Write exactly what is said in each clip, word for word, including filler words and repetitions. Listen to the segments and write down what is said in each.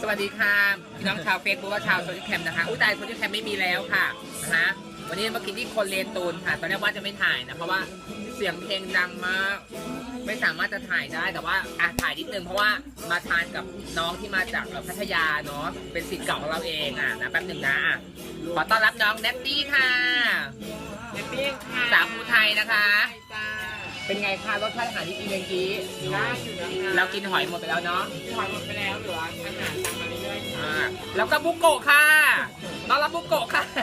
สวัสดีค่ะพี่น้องชาวเฟซบุ๊กและชาวโซเชียลแคมนะคะอุ้ยตายโซเชียลแคมไม่มีแล้วค่ะนะฮะวันนี้มากินที่คนเลนตูนค่ะตอนแรกว่าจะไม่ถ่ายนะเพราะว่าเสียงเพลงดังมากไม่สามารถจะถ่ายได้แต่ว่าอ่ะถ่ายนิดนึงเพราะว่ามาทานกับน้องที่มาจากพัทยาเนาะเป็นศิษย์เก่าของเราเองอ่ะนะแป๊บหนึ่งนะขอต้อนรับน้องเนตตี้ค่ะเนตตี้ค่ะสาวภูไทยนะคะเป็นไงคะรสชาติอาหารที่กินเมื่อกี้ได้อยู่นะคะเรากินหอยหมดไปแล้วเนาะหอยหมดไปแล้วเหลืออาหารตามมาเรื่อยๆค่ะแล้วก็บุโกะค่ะต้อนรับบุโกะค่ะ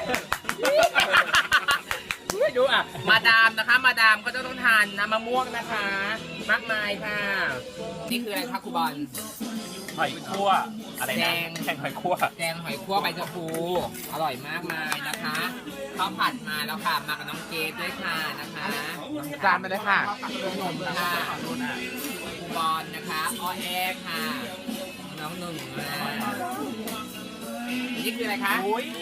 ไม่ดูอ่ะมาดามนะคะมาดามก็จะต้องทานน้ำมะม่วงนะคะมากมายค่ะนี่คืออะไรคะครูบอลหอยคั่วอะไรนะแกงหอยคั่วแกงหอยคั่วใบชะพูอร่อยมากมายนะคะข้าวผัดมาแล้วค่ะมากับน้องเกดด้วยค่ะนะคะจานไปเลยค่ะขนมค่ะครูบอลนะคะอ้อแอค่ะน้องหนึ่งนี่คืออะไรคะ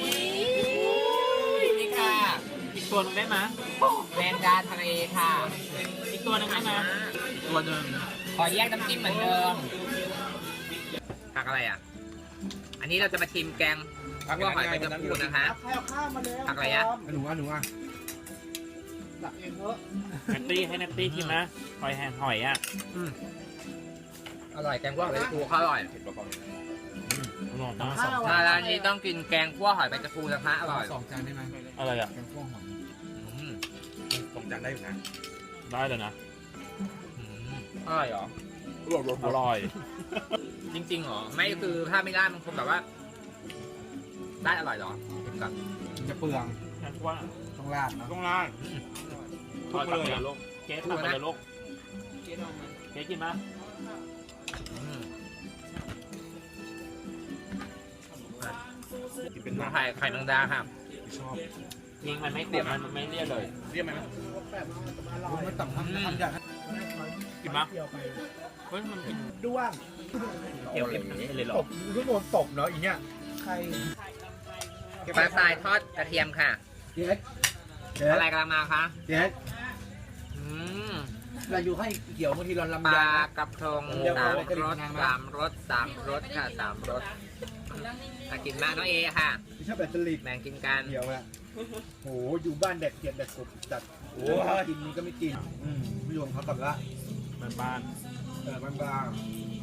นี่ค่ะอีกตัวนึงได้ไหมแมงดาทะเลค่ะอีกตัวนึงได้ไหมตัวนึงขอแยกน้ำจิ้มเหมือนเดิมผักอะไรอ่ะอันนี้เราจะมาชิมแกงผักว่าหอยใบชะพูนะคะผักอะไรอ่ะหนูอ่ะหนูอ่ะตักเองเถอะแนตตี้ให้แนตตี้ชิมนะหอยแห้งหอยอ่ะอร่อยแกงคั่วหอยใบชะพูเขาอร่อยอร่อยนะมาร้านนี้ต้องกินแกงคั่วหอยใบชะพูนะคะอร่อยสองจานได้ไหมอะไรอ่ะแกงคั่วหอยสองจานได้อยู่นะได้เลยนะอร่อยเหรออร่อยจริงๆเหรอไม่คือถ้าไม่ได้มันคงแบบว่าได้อร่อยเหรอกับจะเปลืองว่าต้องราดนะต้องราดทุกเลยลูกเกสทำอะไรลูกเกสกินไหมเป็นไข่ไข่แมงดาครับชอบยิงมันไม่เสียบมันไม่เลี่ยเลยเลี่ยไหมมันต่ำทำทำอย่างกินมั้ยเฮ้ยมันด้วงเกี่ยวกับนี้เลยหรอตบทุกโดนตบเนาะอีเนี้ยใครปลาทรายทอดกระเทียมค่ะเด็ดอะไรกำลังมาคะเด็ดเราอยู่ให้เกี่ยวบางทีเราลำปลากระพงสามรสสามรสสามรสค่ะสามรสถ้ากินมากน้องเอค่ะชอบแบบสลิดแบ่งกินกันเกี่ยวละโหอยู่บ้านเด็กเก็บเด็กกบจัดโอ้กินนี้ก็ไม่กินอืมพี่รวมเขากลับละบ้านบ้านเออบ้านบ้าน